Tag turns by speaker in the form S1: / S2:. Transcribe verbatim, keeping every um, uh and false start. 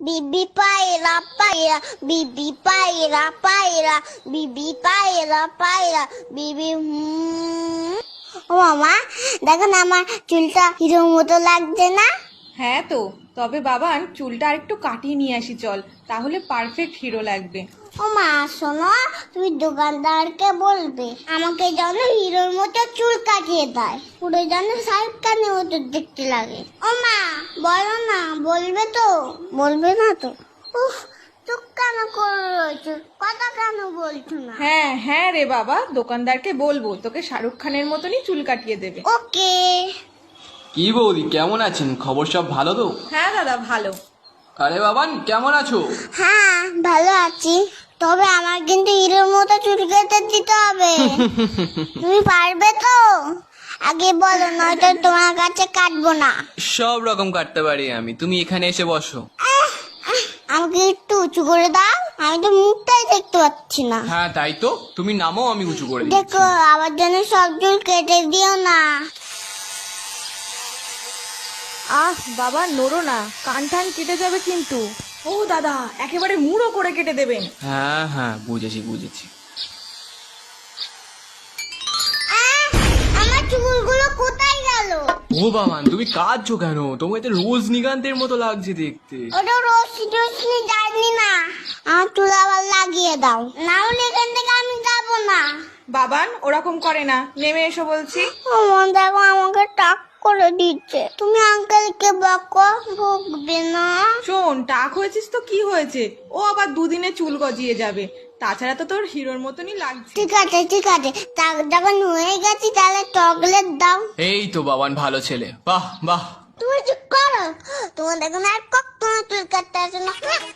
S1: বিবি পায়রা পায়রা বিবি পায়রা পায়রা বিবি পায়রা পায়রা বিবি হুম। ও মামা দেখো না আমার চুলটা হিরোর মতো লাগছে না?
S2: হ্যাঁ তো, তবে বাবান চুলটা আরেকটু কাটিয়ে নিয়ে আসি চল, তাহলে পারফেক্ট হিরো লাগবে।
S1: ও মা শোনো, তুমি দোকানদারকে বলবে আমাকে যেন হিরোর মতো চুল কাটিয়ে দেয়, পুরো যেন শাহরুখ খানের মতো দেখতে লাগে। ও মা বলো না, বলবে তো? বলবে না তো? উফ, চুপ কেন করে রয়েছো, কথা কেন বলছো না?
S2: হ্যাঁ হ্যাঁ রে বাবা, দোকানদারকে বলবো তোকে শাহরুখ খানের মতনই চুল কাটিয়ে দেবে।
S1: ওকে।
S3: কি বৌদি, কেমন আছেন? খবর সব ভালো তো?
S2: হ্যাঁ দাদা ভালো।
S3: আরে বাবান, কেমন আছো?
S1: হ্যাঁ ভালো আছি, তবে আমার কিন্তু হিরোর মতো চুল কেটে দিতে হবে। তুমি পারবে তো? আগে বলো, নয়তো তোমার কাছে কাটবো না।
S3: সব রকম কাটতে পারি আমি, তুমি এখানে এসে বসো।
S1: আমাকে একটু উঁচু করে দাও, আমি তো মুখটাই দেখতে পাচ্ছি না।
S3: হ্যাঁ তাই তো, তুমি নামও, আমি উঁচু করে দিচ্ছি।
S1: দেখো আমার জন্য সব চুল কেটে দিও না।
S2: আহ বাবা নড়ো না, কান টান কেটে যাবে কিন্তু। ও দাদা, একেবারে মুড়ো করে কেটে দেবেন।
S3: হ্যাঁ হ্যাঁ বুঝেছি বুঝেছি।
S1: আহ, আমার চুলগুলো কোথায় গেল?
S3: ও বাবান, তুমি কাঁদছো কেন? তোমাকে তো রজনীকান্তের মতো লাগছে দেখতে।
S1: ওটা রশ্মি টশ্মি যায়নি না, আমার চুল আবার লাগিয়ে দাও, না হলে এখান থেকে আমি যাবো না।
S2: বাবান ওরকম করে না, নেমে এসো বলছি।
S1: আমার দেখো আমাকে টাক করে দিচ্ছে, তুমি আঙ্কেলকে বকো, ভুগবে না।
S2: শোন, টাক হয়েছিস তো কি হয়েছে, ও আবার দুদিনে চুল গজিয়ে যাবে, তাছাড়া তো তোর হিরোর মতনই লাগছে।
S1: ঠিক আছে ঠিক আছে, টাক যখন হয়ে গেছি তাহলে চকলেট দাও।
S3: এই তো বাবান, ভালো ছেলে, বাহ বাহ।
S1: তুমি চুপ করো, তোমার দেখো না আর কখনো চুল কাটতে আসে না।